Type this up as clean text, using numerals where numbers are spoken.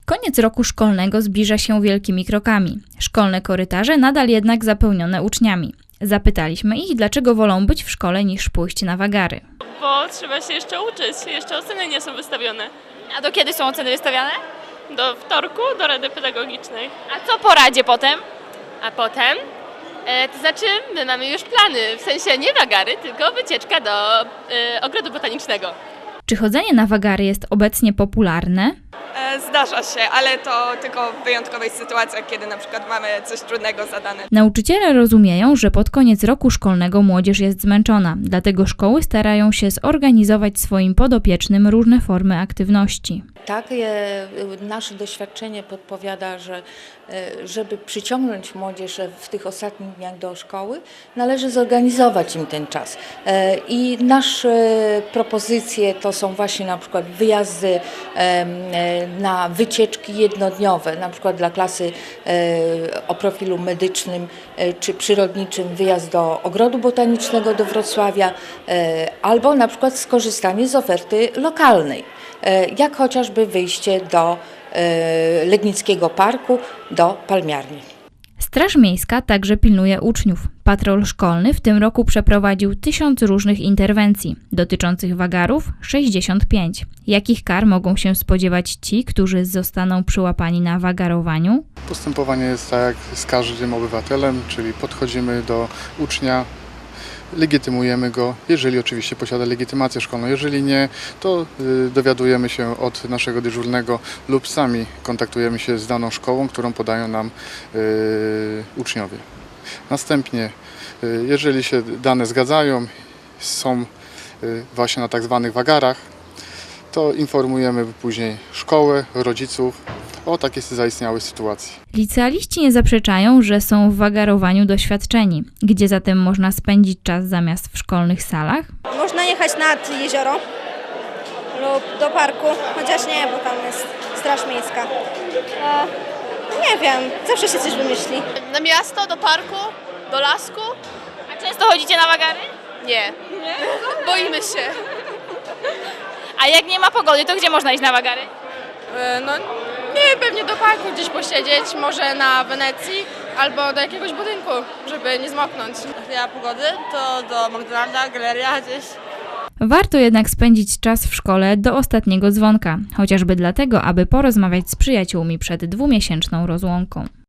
Koniec roku szkolnego zbliża się wielkimi krokami. Szkolne korytarze nadal jednak zapełnione uczniami. Zapytaliśmy ich, dlaczego wolą być w szkole niż pójść na wagary. Bo trzeba się jeszcze uczyć, jeszcze oceny nie są wystawione. A do kiedy są oceny wystawiane? Do wtorku, do Rady Pedagogicznej. A co po radzie potem? A potem, to znaczy my mamy już plany, w sensie nie wagary, tylko wycieczka do ogrodu botanicznego. Czy chodzenie na wagary jest obecnie popularne? Zdarza się, ale to tylko w wyjątkowych sytuacjach, kiedy na przykład mamy coś trudnego zadane. Nauczyciele rozumieją, że pod koniec roku szkolnego młodzież jest zmęczona, dlatego szkoły starają się zorganizować swoim podopiecznym różne formy aktywności. Tak, nasze doświadczenie podpowiada, że żeby przyciągnąć młodzież w tych ostatnich dniach do szkoły, należy zorganizować im ten czas. I nasze propozycje to są właśnie na przykład wyjazdy na wycieczki jednodniowe, na przykład dla klasy o profilu medycznym czy przyrodniczym wyjazd do ogrodu botanicznego do Wrocławia, albo na przykład skorzystanie z oferty lokalnej, jak chociażby wyjście do Legnickiego Parku, do Palmiarni. Straż Miejska także pilnuje uczniów. Patrol szkolny w tym roku przeprowadził 1000 różnych interwencji, dotyczących wagarów 65. Jakich kar mogą się spodziewać ci, którzy zostaną przyłapani na wagarowaniu? Postępowanie jest tak jak z każdym obywatelem, czyli podchodzimy do ucznia, legitymujemy go, jeżeli oczywiście posiada legitymację szkolną. Jeżeli nie, to dowiadujemy się od naszego dyżurnego lub sami kontaktujemy się z daną szkołą, którą podają nam uczniowie. Następnie, jeżeli się dane zgadzają, są właśnie na tak zwanych wagarach, to informujemy później szkołę, rodziców o takiej zaistniałej sytuacji. Licealiści nie zaprzeczają, że są w wagarowaniu doświadczeni. Gdzie zatem można spędzić czas zamiast w szkolnych salach? Można jechać nad jezioro lub do parku, chociaż nie, bo tam jest Straż Miejska. Nie wiem, zawsze się coś wymyśli. Na miasto, do parku, do lasku? A często chodzicie na wagary? Nie. Boimy się. A jak nie ma pogody, to gdzie można iść na wagary? No nie, pewnie do parku gdzieś posiedzieć, może na Wenecji albo do jakiegoś budynku, żeby nie zmoknąć. Jak nie ma pogody, to do McDonalda, galeria gdzieś. Warto jednak spędzić czas w szkole do ostatniego dzwonka, chociażby dlatego, aby porozmawiać z przyjaciółmi przed 2-miesięczną rozłąką.